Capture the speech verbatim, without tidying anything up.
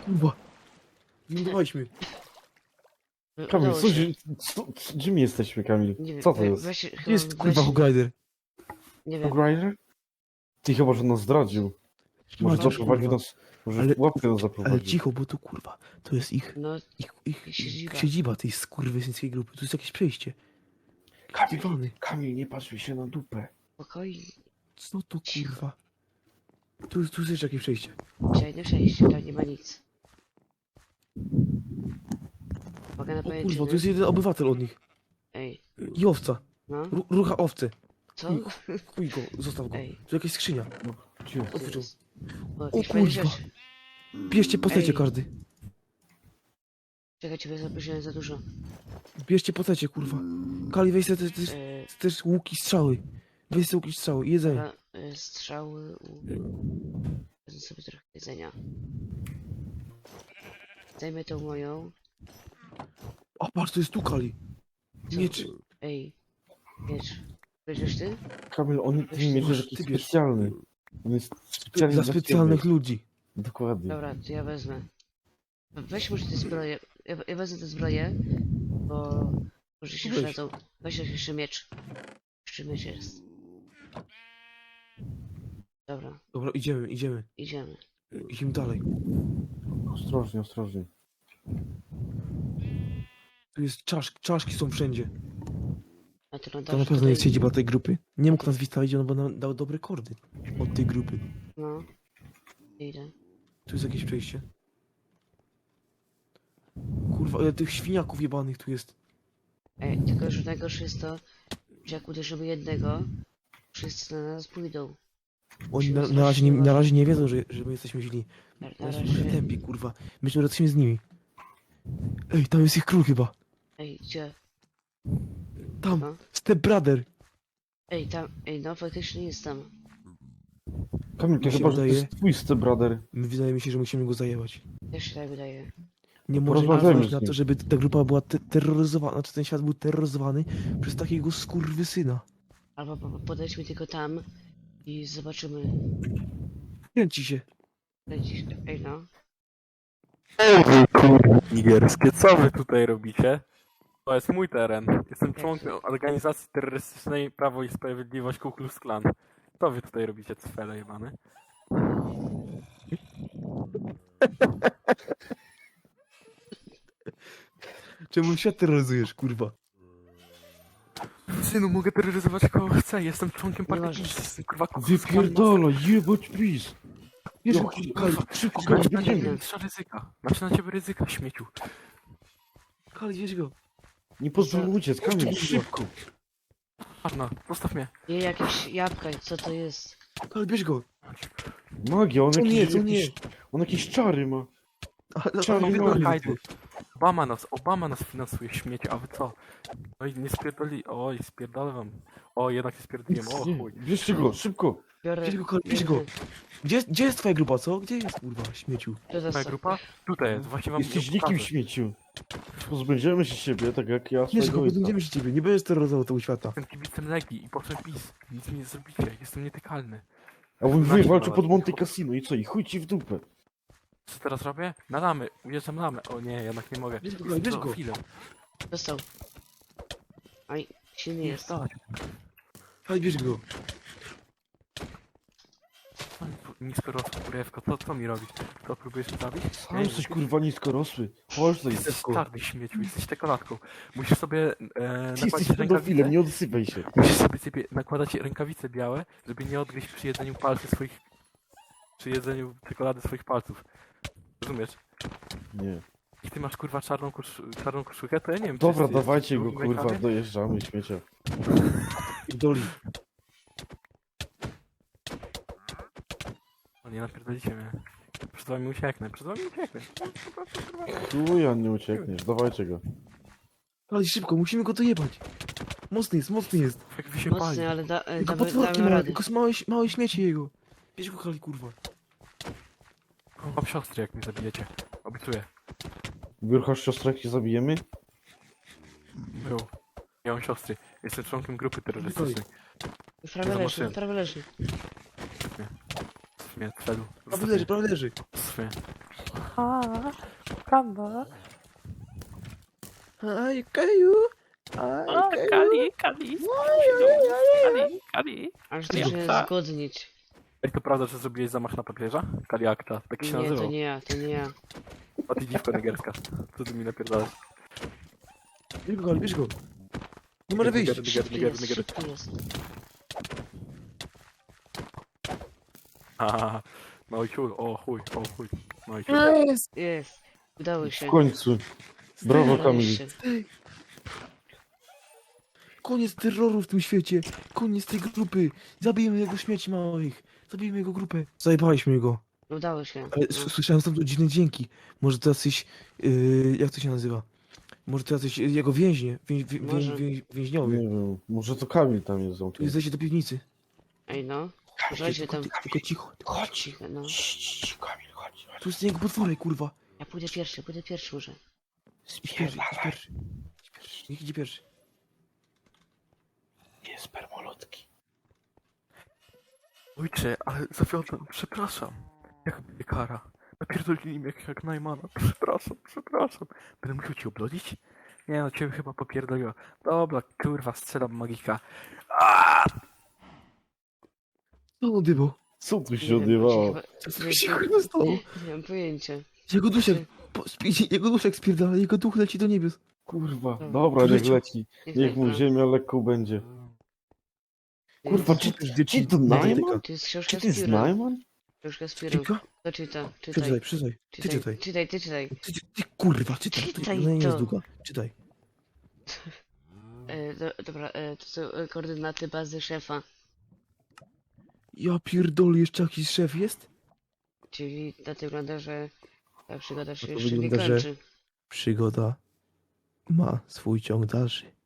Kurwa. Lądowaliśmy. Kamil, Udało co, się. co, co, gdzie my jesteśmy, Kamil? Nie wiem, Co to we- jest? weź, Gdzie chyba jest kurwa weź- Hogrider? Nie wiem. Hogrider? Ty chyba, że nas zdradził. Może Masz, zaprowadził kurwa. nas, może Ale- w łapkę nas Ale zaprowadził. cicho, bo to kurwa, to jest ich, No, ich, ich Siedziba. siedziba tej skurwysyńskiej grupy. Tu jest jakieś przejście. Kamil, Dywany. Kamil, nie patrz mi się na dupę. spokojnie. Co to kurwa? Tu, tu jest jeszcze jakieś przejście. Przejdę przejście, tam nie ma nic. Mogę na O kurwa, pajęczynę? tu jest jeden obywatel od nich. Ej, I owca. no, Ru, rucha owce. co? Chuj, chuj go, zostaw go. Ej. Tu jakaś skrzynia. No, gdzie? Otwórz. O, O jakieś fajne kurwa. rzeczy. Bierzcie postecie Ej. każdy. Czekaj, ciebie zaprosiłem za dużo. Bierzcie postecie, kurwa. Kali, weź sobie też, też, E, też łuki, strzały. Weź sobie łuki, strzały i jedzenie. dobra, e, strzały, u... Wezmę sobie trochę jedzenia. Zajmę tą moją. A patrz, to jest tu Kali. Co? Miecz. Ej, miecz. Bierzesz ty? Kamil, on Weź, ten miecz masz, jest ty jakiś bierz. specjalny. On jest specjalny Dla dla specjalnych ciebie. ludzi. Dokładnie. Dobra, to ja wezmę. Weź może te zbroje. Ja, ja wezmę te zbroje, bo może się Weź. przydadzą. Weź jeszcze miecz. Jeszcze miecz jest. Dobra, Dobra, idziemy, idziemy. idziemy. Idziemy dalej. Ostrożnie, ostrożnie. Tu jest czasz, czaszki są wszędzie. A ty To na lądasz pewno jest tutaj- siedziba tej grupy. Nie mógł nas wystawić, on bo nam dał dobre kordy od tej grupy. No. Idę. Tu jest jakieś przejście. Kurwa, ale tych świniaków jebanych tu jest. Ej, tylko że najgorsze jest to, że jak uderzymy jednego, wszyscy na nas pójdą. Oni na, na, razie, nie, na razie nie wiedzą, że, że my jesteśmy źli. Na, na Na razie razie... tępi, kurwa. My tu jesteśmy z nimi. Ej, tam jest ich król chyba. Ej, gdzie? Tam, No. Step Brother. Ej, tam, ej, no faktycznie jest tam. Kamil, to Mi się chyba, że to wydaje- jest twój stepbrother. My wydaje mi się, że musimy go zajebać. Też się tak wydaje. Nie może Porozmawiajmy pozwolić z na nim. to, żeby ta grupa była te terroryzowana, znaczy ten świat był terroryzowany przez takiego skurwysyna. Albo po, po, podejdźmy tylko tam i zobaczymy. Kręci się. Ej, ej no. Ej wy kurwy nigerskie, co wy tutaj robicie? To jest mój teren. Jestem członkiem organizacji terrorystycznej Prawo i Sprawiedliwość Ku Klux Klan. Co wy tutaj robicie, cfele jebany? Czemu świat terroryzujesz, kurwa? Synu, mogę terroryzować kogo chcę, jestem członkiem Nie partii możesz. PiS, jestem kurwa Ku Klux Klan. Wypierdala, jebać pis. Wiesz, No, Kali, kurwa, szybko, Kali, Kamil, Kali, biegniemy. Mistrza ryzyka. Znaczy na ciebie ryzyka, śmieciu. Kali, wiesz go. Nie pozwól mu uciec, Kamil, szybko. Arna, zostaw mnie. Je jakieś jabłka, co to jest? Kali, bierz go. Magia, on Co jakieś, nie, co nie? jakieś, on jakieś czary ma. Ale, Czarny ale, nogi. ale, Kajdy. Obama nas, Obama nas finansuje, śmiecie, a wy co? No i nie spierdoli, oj, spierdolę wam. O, jednak nie spierdoliłem, o Nie, chuj. bierzcie go, szybko. Biorę... Bierz go, Kali, bierz go. Gdzie, gdzie jest twoja grupa, co? Gdzie jest, kurwa, śmieciu? To Moja zostaw. grupa? Tutaj jest, właśnie wam Jesteś ją nikim pokażę. śmieciu. Pozbędziemy się siebie, tak jak ja Bierz go, swojego ojca. podejdziemy się ciebie, nie będziesz terroryzował tego świata. Jestem kibicem Legii i potem PiS. Nic mi nie zrobicie, jestem nietykalny. A on Znaczy, wy walczył no, pod no. Monte Cassino i co? I chuj ci w dupę. Co teraz robię? Na lamy, ujeżdżam lamy. O nie, jednak nie mogę. Bierz go, Jestem bierz go. pedofilem. Dostał. Aj, silny jest. Stać. Kali, bierz go. Nisko rosła kurewko, to co mi robisz? To próbujesz mnie zabić? Sam jesteś kurwa niskorosły. Chodź tutaj. Jesteś czarny śmieciu, jesteś czekoladką. Musisz sobie e, Ty nakładać jesteś pedofilem, rękawice. nie odsypaj się. Musisz sobie, sobie nakładać rękawice białe, żeby nie odgryźć przy jedzeniu palców swoich... przy jedzeniu czekolady swoich palców. Rozumiesz? Nie. I ty masz kurwa czarną, kosz... czarną koszulkę, to ja nie wiem, czy Dobra, jest- dawajcie jest go w drugim kurwa, rękawie? dojeżdżamy śmiecia. Doli. O nie, napierdolicie mnie. Przed wami ucieknę, przed wami ucieknę. Tu ja nie uciekniesz, dawajcie go. Kali, szybko, musimy go dojebać. Mocny jest, mocny jest. Jak wy się pali. Mocny, ale da, e, Tylko damy, potworki damy ma, radę. tylko małe, małe śmieci jego. Bierz go, Kali, kurwa. Mam siostry, jak mnie zabijecie. Obiecuję. Wyrchasz siostrę, jak cię zabijemy? Był. Ja mam siostry. Jestem członkiem grupy terrorystycznej. Prawie leży, Zobaczyłem. prawie leży. Mnie, celu. Prawie leży, prawie leży. Mnie. A, Kanda. Aj, Kaju! Aj, A, Kaju! Kali, Kali. Kali, Kali. Aż to Ja. się zgodnić. Ej, to prawda, że zrobiłeś zamach na papieża? Kaliakta, tak się Nie, nazywał. to nie ja, to nie ja. A ty dziwko negerska. Co ty mi napierdalasz? Bierz go, Kali, bierz go! Nie może wyjść! Neger, neger, Szybki neger, jest, neger. szybki jest. Haha, no i chuj, o chuj, o chuj. No i chuj. Jest! Jest. Udało W się. końcu. Brawo, Udało Kamil. się. Koniec terroru w tym świecie! Koniec tej grupy! Zabijmy jego śmieci małych! Zabijmy jego grupę! Zajebaliśmy go! Udało się. Ale No. s- słyszałem tam dziwne dźwięki. Może to jacyś... Yy, jak to się nazywa? Może to jacyś jego więźnie, wię, wię, Może. wię, wię, więźniowie. Nie wiem, może to Kamil tam jest Tu zamknięty. zejście do piwnicy. Ej no. Uważajcie Tylko, tam. ty- tylko cicho. Chodź cicho, no. Kamil, chodź. Tu jest jego potworek, kurwa. Ja pójdę pierwszy, pójdę pierwszy może. Idź pierwszy, idź pierwszy. Idź pierwszy. Niech idzie pierwszy. Nie, spermolotki. Ojcze, ale zawiodłem, przepraszam. Jak będzie kara? Napierdolili mnie jak, jak Najmana. Przepraszam, przepraszam. Będę musiał cię oblodzić? Nie no, ciebie chyba popierdoliło. Dobra, kurwa, strzelam magika. Co on dybał? Co tu Nie się wiem, odjebało? chyba- Co nie- się kurwa stało? Nie mam pojęcia. Jego duszek, po, spi- jego duszek spierdala, jego duch leci do niebios. Kurwa, No. dobra, niech Leciał. leci. Niech mu leci. ziemia lekką będzie. Kurwa, czy, Czytasz, czy to Nie, Najman? To jest Czy książka to jest z piórem. Najman? Książka z piórem. Czyta? To czyta, czytaj. Przeczytaj, przeczytaj. Ty czytaj. Czytaj, ty czytaj. Ty, ty kurwa, czytaj. To Czytaj nie jest to. długa. Czytaj. E, do, dobra, e, to są e, koordynaty bazy szefa. Ja pierdolę, jeszcze jakiś szef jest? Czyli na to wygląda, że ta przygoda się to jeszcze nie wygląda, że- kończy. Przygoda ma swój ciąg dalszy.